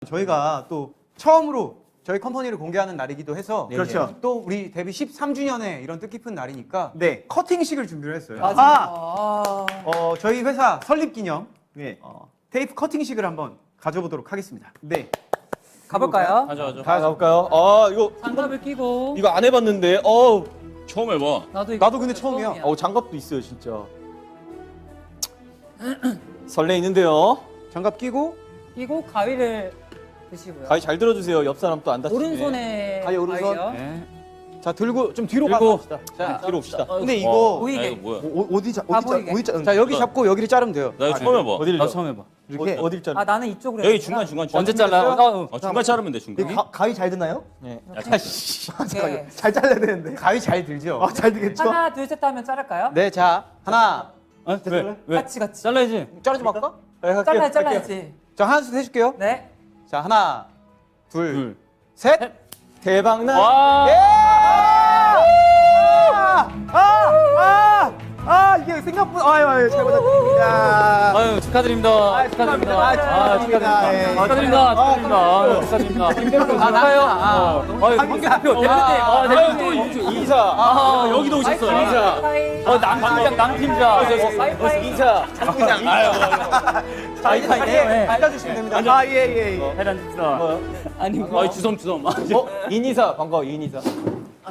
저희가 또 처음으로 저희 컴퍼니를 공개하는 날이기도 해서 그렇죠. 또 우리 데뷔 13주년에 이런 뜻깊은 날이니까 네. 커팅식을 준비를 했어요. 아, 저희 회사 설립 기념 네. 테이프 커팅식을 한번 가져보도록 하겠습니다. 네. 가볼까요? 가져가죠. 가볼까요? 아 이거 장갑을 끼고. 이거 안 해봤는데. 처음 해봐. 나도 근데 처음이야. 장갑도 있어요 진짜. 설레이는데요. 장갑 끼고 끼고 가위를 드시고요. 가위 잘 들어주세요. 옆 사람 또 안 다치게. 오른손에 가위 오른손. 가위요. 네. 자 들고 좀 뒤로 들고. 가봅시다. 자 뒤로 옵시다. 근데 이거 보이게. 이거 뭐야? 다 보이게. 자 여기 잡고 여기를 자르면 돼요. 나 이거 처음 해봐. 어디를? 나 처음 해봐. 이렇게 어딜 자르? 아 나는 이쪽으로. 여기 했구나. 중간. 언제 잘라? 중간 자르면 돼 중간. 가위 잘 드나요? 네. 네. 잘 잘라야 되는데. 가위 잘 들죠? 잘 되겠죠? 하나 둘 셋 하면 자를까요? 네, 자 하나 왜? 같이. 잘라야지. 자르지 말까? 잘라야지. 자 하나 둘 셋 해줄게요. 네. 자 하나 둘 둘. 셋. 대박나. 와. 이게 생각보다 아유 잘못했습니다. 아유 축하드립니다. 축하드립니다. 축하드립니다. 예. 축하드립니다. 축하드립니다. 김대표 가까요? 아유 황교표 대표님. 이사. 여기도 오셨어요. 인사. 남팀장. 이사. 장구장. 아유. 네, 알려주시면 됩니다. 예. 해란 집사. 아니 주섬. 인이사 반가워 인이사.